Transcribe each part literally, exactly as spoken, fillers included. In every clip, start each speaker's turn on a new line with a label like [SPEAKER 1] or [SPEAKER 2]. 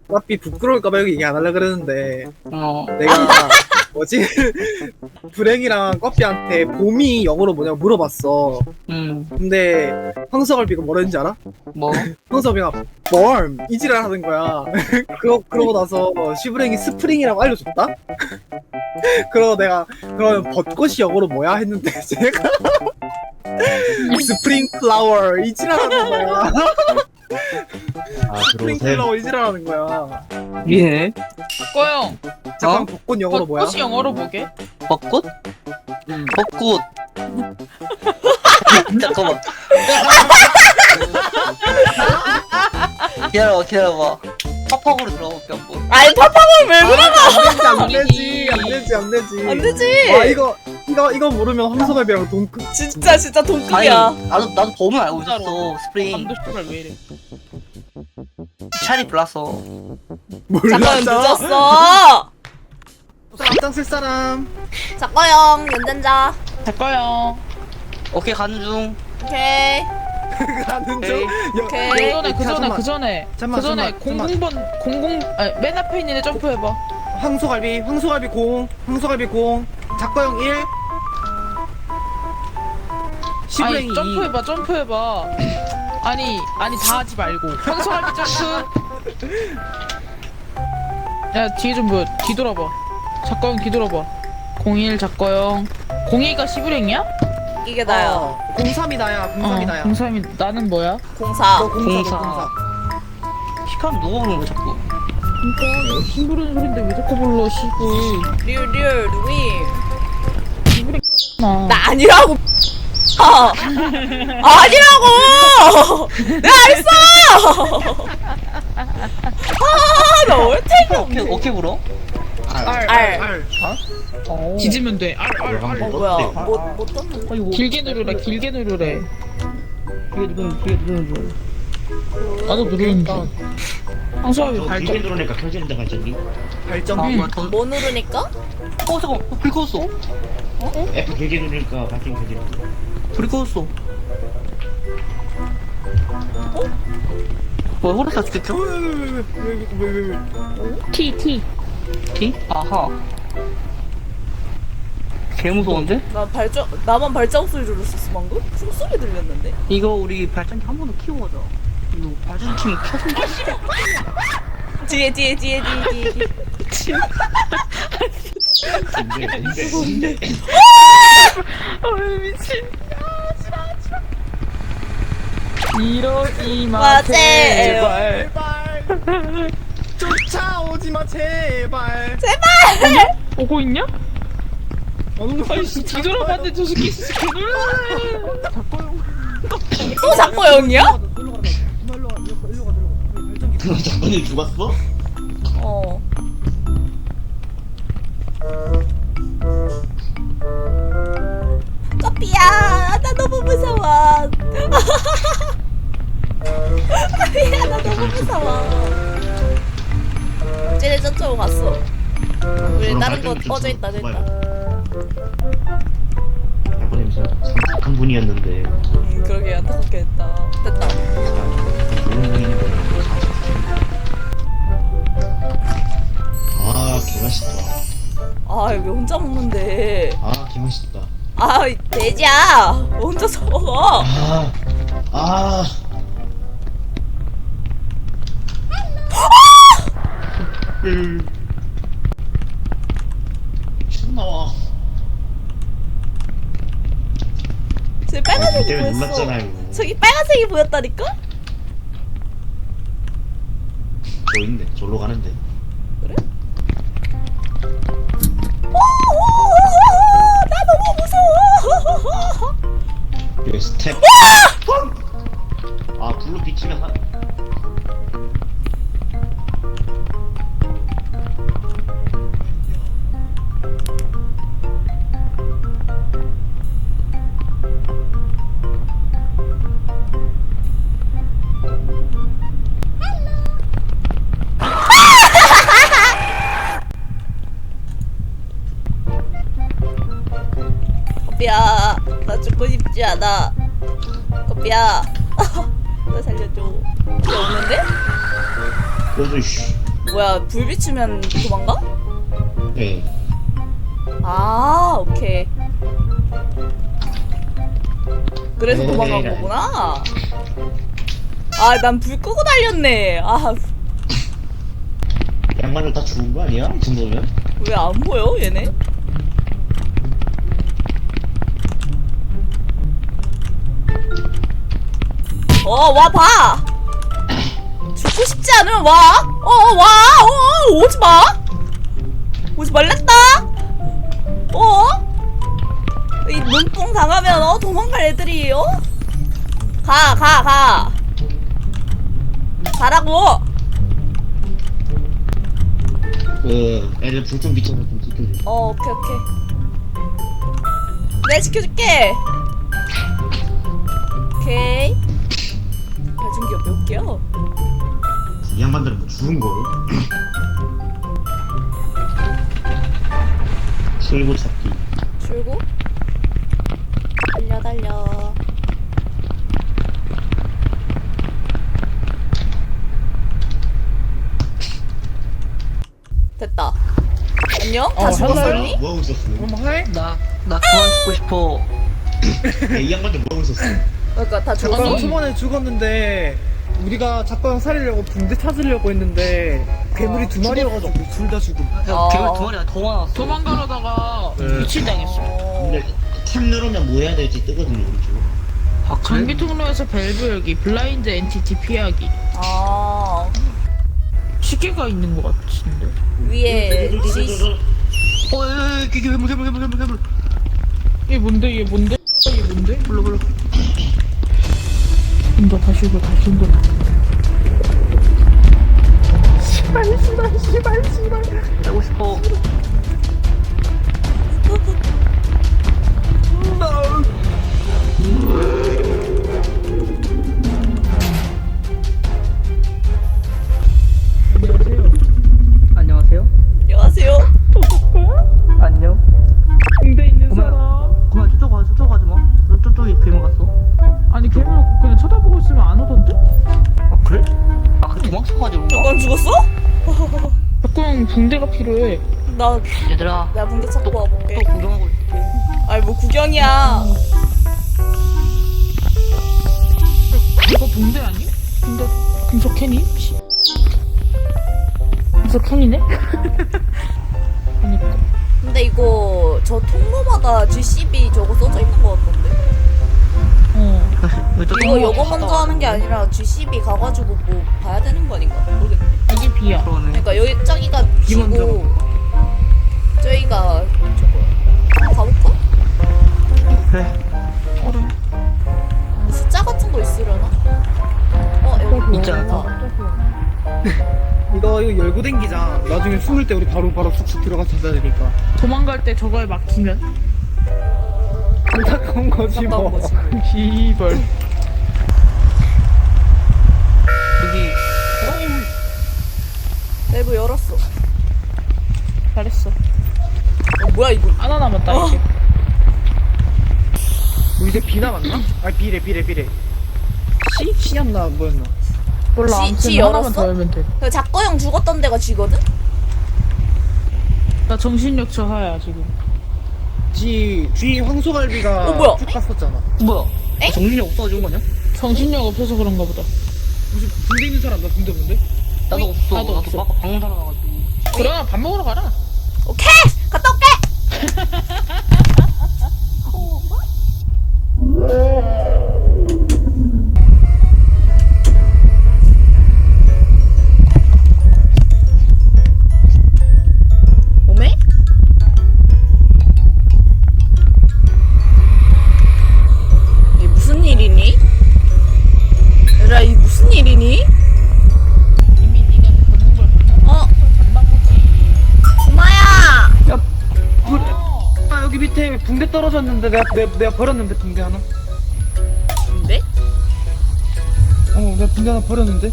[SPEAKER 1] 어차피 부끄러울까봐 여기 얘기 안 하려고 그랬는데
[SPEAKER 2] 어.
[SPEAKER 1] 내가 뭐지? 불행이랑 꺼삐한테 봄이 영어로 뭐냐고 물어봤어.
[SPEAKER 2] 음.
[SPEAKER 1] 근데 황석얼비가 뭐라 했는지 알아?
[SPEAKER 2] 뭐?
[SPEAKER 1] 황석얼비가 봄! 이지랄 하는 거야. 그러, 그러고 나서 시브랭이 스프링이라고 알려줬다? 그러고 내가 그러면 벚꽃이 영어로 뭐야? 했는데 제가 스프링 플라워 이지랄 하는 거야.
[SPEAKER 3] 아
[SPEAKER 1] 스프링
[SPEAKER 3] 들어오세요.
[SPEAKER 1] 플라워 이지랄 하는 거야.
[SPEAKER 2] 예.
[SPEAKER 4] 꺼영.
[SPEAKER 1] 잠깐
[SPEAKER 2] 어?
[SPEAKER 1] 벚꽃 영어로 뭐야?
[SPEAKER 4] 벚꽃이 영어로 뭐게?
[SPEAKER 2] 벚꽃?
[SPEAKER 1] 음.
[SPEAKER 2] 벚꽃. 잠깐만. 기다려봐, 기다려봐. 팝팝으로 들어볼게, 한번.
[SPEAKER 5] 아니 팝팝을 왜 그래?
[SPEAKER 1] 안 되지 안 되지 안 되지
[SPEAKER 5] 안 되지.
[SPEAKER 1] 와 이거 이거 이거 모르면 황석얼비랑 동급.
[SPEAKER 5] 진짜 진짜
[SPEAKER 2] 아니,
[SPEAKER 5] 동급이야.
[SPEAKER 2] 나도, 나도 봄을 알고 있었어,
[SPEAKER 4] 진짜로.
[SPEAKER 2] 스프링.
[SPEAKER 4] 감도 씨발 왜 이래?
[SPEAKER 2] 찰이 불났어.
[SPEAKER 5] 잠깐
[SPEAKER 1] 몰랐잖아.
[SPEAKER 5] 늦었어.
[SPEAKER 1] 앞장 쓸 사람.
[SPEAKER 5] 작가형 연전자.
[SPEAKER 4] 잘 꺼영.
[SPEAKER 2] 오케이, 가는 중.
[SPEAKER 5] 오케이.
[SPEAKER 1] 가는
[SPEAKER 2] 오케이.
[SPEAKER 1] 중. 여-
[SPEAKER 5] 오케이.
[SPEAKER 4] 그
[SPEAKER 1] 여-
[SPEAKER 4] 전에 그 전에
[SPEAKER 1] 잠깐만.
[SPEAKER 4] 그 전에
[SPEAKER 1] 잠깐만,
[SPEAKER 4] 그 전에
[SPEAKER 1] 잠깐만,
[SPEAKER 4] 공공번 공공 아니, 맨 앞에 있는 애 점프해봐.
[SPEAKER 1] 황소갈비 황소갈비 공 황소갈비 공 작가형 일 시브랭이
[SPEAKER 4] 아니
[SPEAKER 1] 이.
[SPEAKER 4] 점프해봐 점프해봐. 아니 아니 다 하지 말고 황소갈비 점프. 야 뒤에 좀 보여. 뒤돌아봐. 작가형 뒤돌아봐. 공일 작가형. 공이가 시브랭이야?
[SPEAKER 5] 이게 나야.
[SPEAKER 1] 어, 공삼이 나야 공삼이 나야.
[SPEAKER 4] 공삼이 나는 뭐야?
[SPEAKER 5] 공사.
[SPEAKER 1] 너 공사 너
[SPEAKER 2] 공사.
[SPEAKER 1] 공사.
[SPEAKER 2] 시카면 누가 부르는 거야, 자꾸?
[SPEAKER 4] 그러니까 힘 부르는 소린데 왜 자꾸 불러 시브.
[SPEAKER 5] 리얼 리얼 누이.
[SPEAKER 4] 나.
[SPEAKER 5] 나 아니라고. 아, 아니라고. 내가 알았어. 아나 얼탱이
[SPEAKER 2] 어떻게,
[SPEAKER 5] 없네.
[SPEAKER 2] 어떻게 불어?
[SPEAKER 1] 알.
[SPEAKER 5] 알.
[SPEAKER 1] 알.
[SPEAKER 2] 어.
[SPEAKER 4] 뒤지면 돼. 알, 알, 알.
[SPEAKER 5] 어 뭐야? 못못 떴는데.
[SPEAKER 2] 아이고.
[SPEAKER 4] 길게 누르래. 길게 누르래.
[SPEAKER 2] 그게 누르는, 그게 누르는 중.
[SPEAKER 4] 나도 누르는데. 황소아비
[SPEAKER 3] 저
[SPEAKER 4] 발전.
[SPEAKER 3] 길게 누르니까 켜진다 갑자기.
[SPEAKER 1] 발전.
[SPEAKER 2] 아, 뭐야, 전...
[SPEAKER 5] 뭐 누르니까?
[SPEAKER 2] 어, 잠깐만. 어, 불 꺼졌어.
[SPEAKER 3] F 길게 누르니까 밝게 켜지는.
[SPEAKER 2] 불이 꺼졌어. 어? 뭐야, 호르사 죽겠죠?
[SPEAKER 1] 왜왜왜왜왜왜
[SPEAKER 4] T, T.
[SPEAKER 2] 티? 아하. 개 무서운데?
[SPEAKER 5] 나 발전 나만 발자국 소리 들었었어 방금? 숨소리 들렸는데.
[SPEAKER 2] 이거 우리 발전기 한 번 더 키고 가자. 이거 발전기 키면 켜서
[SPEAKER 5] 뒤에 뒤에 뒤에 뒤에 뒤에.
[SPEAKER 3] 근데 근데 근데
[SPEAKER 4] 아 미친. 이러지 마
[SPEAKER 5] 마,
[SPEAKER 4] 제발.
[SPEAKER 1] 제발 쫓아오지 마 제발.
[SPEAKER 4] 오고 있냐?
[SPEAKER 1] 어느
[SPEAKER 4] 아이씨 뒤돌아봤는데 저 새끼 진짜 개놀라네.
[SPEAKER 5] 또 작가형이야?
[SPEAKER 3] 작가님 죽었어?
[SPEAKER 5] 어. 커피야, 나 너무 무서워. 커피야, 나 너무 무서워. 쟤네 저쪽으로 갔어. 우리 다른 거 꺼져 있다, 저 있다.
[SPEAKER 3] 작가님 진짜 착한 분이었는데
[SPEAKER 5] 음, 그러게 안타깝게 됐다. 됐다.
[SPEAKER 3] 좋은 분이니까. 아 개맛있다.
[SPEAKER 5] 아, 왜 혼자 먹는데?
[SPEAKER 3] 아 개맛있다.
[SPEAKER 5] 아, 이 돼지야. 혼자서 먹어.
[SPEAKER 3] 아 아. 음. 춤 나와.
[SPEAKER 5] 쟤 빨간색이
[SPEAKER 3] 때문에
[SPEAKER 5] 보였어.
[SPEAKER 3] 놀랐잖아요.
[SPEAKER 5] 저기 빨간색이 보였다니까?
[SPEAKER 3] 저 있네. 저로 가는데.
[SPEAKER 5] 그래? 나 너무 무서워.
[SPEAKER 3] 여기 스텝. 아 불로 비치면 한.
[SPEAKER 5] 커피야, 나 죽고 싶지 않아. 커피야, 나 살려줘. 커피 없는데?
[SPEAKER 3] 그래도 씨.
[SPEAKER 5] 뭐야 불 비추면 도망가?
[SPEAKER 3] 네.
[SPEAKER 5] 아 오케이. 그래서
[SPEAKER 3] 에이,
[SPEAKER 5] 도망간
[SPEAKER 3] 에이.
[SPEAKER 5] 거구나. 아 난 불 끄고 달렸네. 아 왜
[SPEAKER 3] 양말을 다 죽은 거 아니야? 이 정도면?
[SPEAKER 5] 안 보여 얘네? 어 와 봐. 죽고 싶지 않으면 와. 어 와. 어 오지 마. 오지 말랬다. 어? 이 눈뽕 당하면 어 도망갈 애들이 어? 가 가 가. 가라고.
[SPEAKER 3] 그 애들 불 좀 비춰서 좀 지켜줘.
[SPEAKER 5] 어 오케이 오케이. 내가 지켜줄게. 오케이. 발전기가 몇 개야?
[SPEAKER 3] 이 양반들은 뭐 죽은 걸? 실고 찾기.
[SPEAKER 5] 줄고 달려 달려. 됐다. 안녕? 다
[SPEAKER 1] 어,
[SPEAKER 5] 죽었었니?
[SPEAKER 3] 뭐 하고 있었어?
[SPEAKER 1] 그럼 해?
[SPEAKER 6] 나, 나 그만 죽고 싶어.
[SPEAKER 3] 야, 이 양반들 뭐 하고 있었어?
[SPEAKER 5] 그러니까 다
[SPEAKER 1] 작가형
[SPEAKER 5] 죽었어?
[SPEAKER 1] 초반에 죽었는데 우리가 작가형 살리려고 붕대 찾으려고 했는데 괴물이 두 마리여가지고 둘 다 죽음.
[SPEAKER 6] 야,
[SPEAKER 5] 어.
[SPEAKER 6] 괴물 두 마리가 더 많았어.
[SPEAKER 4] 도망가려다가
[SPEAKER 3] 네.
[SPEAKER 4] 미친당했어.
[SPEAKER 5] 어...
[SPEAKER 3] 근데 탭 누르면 뭐 해야 될지 뜨거든요, 우리 쪽.
[SPEAKER 6] 아, 그래?
[SPEAKER 4] 전기 통로에서 밸브 열기, 블라인드 엔티티 피하기.
[SPEAKER 5] 아
[SPEAKER 4] 시계가 있는 것 같은데.
[SPEAKER 5] 위에 시...
[SPEAKER 6] 어, 야, 야, 야, 괴물, 괴물, 괴물, 괴물, 괴물.
[SPEAKER 4] 얘 뭔데? 얘 뭔데? 얘 뭔데?
[SPEAKER 6] 몰라, 몰라.
[SPEAKER 4] 온다 다시 오고 다시 온다.
[SPEAKER 1] 씨발 씨발 씨발 씨발.
[SPEAKER 6] 살고 싶어. 안녕하세요.
[SPEAKER 5] 안녕하세요.
[SPEAKER 6] 안녕.
[SPEAKER 4] 군대 있는
[SPEAKER 6] 그만.
[SPEAKER 4] 사람.
[SPEAKER 6] 그만 저쪽 가, 저쪽 가지 마. 너 저쪽에 괴물 갔어.
[SPEAKER 4] 아니 괴물 그냥 쳐다보고 있으면 안 오던데?
[SPEAKER 6] 아, 그래? 아, 그 도망쳐가지고 그런가?
[SPEAKER 5] 넌 죽었어?
[SPEAKER 4] 가끔 붕대가 필요해.
[SPEAKER 5] 나
[SPEAKER 6] 얘들아,
[SPEAKER 5] 내가 붕대 찾고
[SPEAKER 6] 또
[SPEAKER 5] 와볼게.
[SPEAKER 6] 구경하고 있을게.
[SPEAKER 5] 아이 뭐 구경이야.
[SPEAKER 4] 이거 붕대 아니? 붕대 금속 캔이? 금속 캔이네? 그니까.
[SPEAKER 5] 근데 이거 저 통로마다 지씨비 저거 써져 있는 거 같던데.
[SPEAKER 4] 어.
[SPEAKER 6] 왜 또
[SPEAKER 5] 이거
[SPEAKER 6] 똥을
[SPEAKER 5] 요거
[SPEAKER 6] 갔다
[SPEAKER 5] 먼저 하는 게
[SPEAKER 6] 왔는데?
[SPEAKER 5] 아니라 지씨비 가가지고 뭐 봐야 되는 거 아닌가? 모르겠네.
[SPEAKER 4] 이게 비야.
[SPEAKER 6] 그러네.
[SPEAKER 5] 그러니까 여기 저기가
[SPEAKER 1] 비 먼저
[SPEAKER 5] B고 저기가 저거야. 한번 가볼까?
[SPEAKER 6] 그래.
[SPEAKER 5] 숫자 같은 거 있으려나? 어 여기
[SPEAKER 6] 있지 않을까?
[SPEAKER 5] 있다.
[SPEAKER 1] 이거 이거 열고 댕기자. 나중에 숨을 때 우리 바로 바로 쑥쑥 들어가 찾아야 되니까.
[SPEAKER 4] 도망갈 때 저거에 막히면
[SPEAKER 1] 안타까운 거지
[SPEAKER 5] 안타까운
[SPEAKER 1] 뭐.
[SPEAKER 5] 거지.
[SPEAKER 4] 시벌.
[SPEAKER 6] 여기,
[SPEAKER 5] 밸브 열었어.
[SPEAKER 4] 잘했어.
[SPEAKER 5] 어, 뭐야 이거?
[SPEAKER 4] 하나 남았다
[SPEAKER 5] 어.
[SPEAKER 4] 이제.
[SPEAKER 1] 우리 이제 비 남았나? 아 비래 비래 비래. 씨? 씨였나 뭐였나?
[SPEAKER 4] 몰라.
[SPEAKER 5] 지-
[SPEAKER 4] 아무튼
[SPEAKER 5] 지
[SPEAKER 4] 하나만
[SPEAKER 5] 열었어?
[SPEAKER 4] 더 열면 돼.
[SPEAKER 5] 그 작거형 죽었던 데가 G거든?
[SPEAKER 4] 나 정신력 저하야 지금.
[SPEAKER 1] 지 G 황소갈비가
[SPEAKER 5] 어, 뭐야?
[SPEAKER 1] 쭉 갔었잖아.
[SPEAKER 6] 뭐야?
[SPEAKER 5] 엥?
[SPEAKER 6] 정신이 없어진 거냐?
[SPEAKER 4] 정신력 없어서 그런가 보다.
[SPEAKER 1] 무슨 군대 있는 사람 나 군대 군대?
[SPEAKER 6] 나도 없어.
[SPEAKER 4] 나도
[SPEAKER 6] 나도,
[SPEAKER 4] 없어.
[SPEAKER 6] 아까 방금 살아나가지고.
[SPEAKER 4] 그럼 밥 먹으러 가라.
[SPEAKER 5] 오케이! 갔다 올게! 오메? 이게 무슨 일이니? 얘들아 이게 무슨 일이니?
[SPEAKER 4] 이미 네가 걷는 걸 봤나?
[SPEAKER 5] 어?
[SPEAKER 4] 봤나 보지.
[SPEAKER 5] 구마야!
[SPEAKER 1] 야 그래. 아 여기 밑에 붕대 떨어졌는데 내가 내가, 내가 버렸는데 붕대 하나.
[SPEAKER 5] 근데?
[SPEAKER 1] 어 내가 붕대 하나 버렸는데.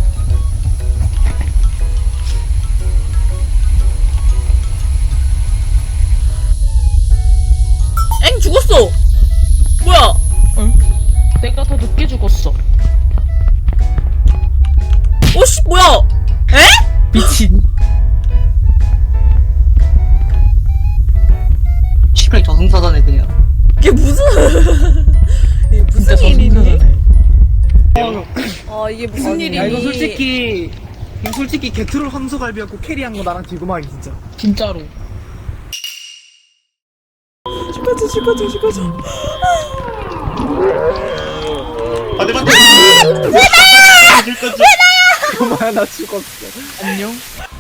[SPEAKER 5] 엥 죽었어! 뭐야?
[SPEAKER 4] 내가 더 늦게 죽었어.
[SPEAKER 5] 오씨 뭐야? 에?
[SPEAKER 4] 미친.
[SPEAKER 6] 시프랭 저승사자네 그냥.
[SPEAKER 5] 이게 무슨 이게
[SPEAKER 4] 진짜
[SPEAKER 5] 무슨 일이니?
[SPEAKER 4] 저승사자네.
[SPEAKER 5] 아 이게 무슨 일이니?
[SPEAKER 1] 야 이거 솔직히 이거 솔직히 게트롤 황소갈비였고 캐리한 거 나랑 딜고마기 진짜.
[SPEAKER 4] 진짜로.
[SPEAKER 5] 죽어줘 죽어줘 죽어줘.
[SPEAKER 3] 아, 내 맞다! 줄 거지.
[SPEAKER 1] 고마야 나 죽었어.
[SPEAKER 4] 안녕.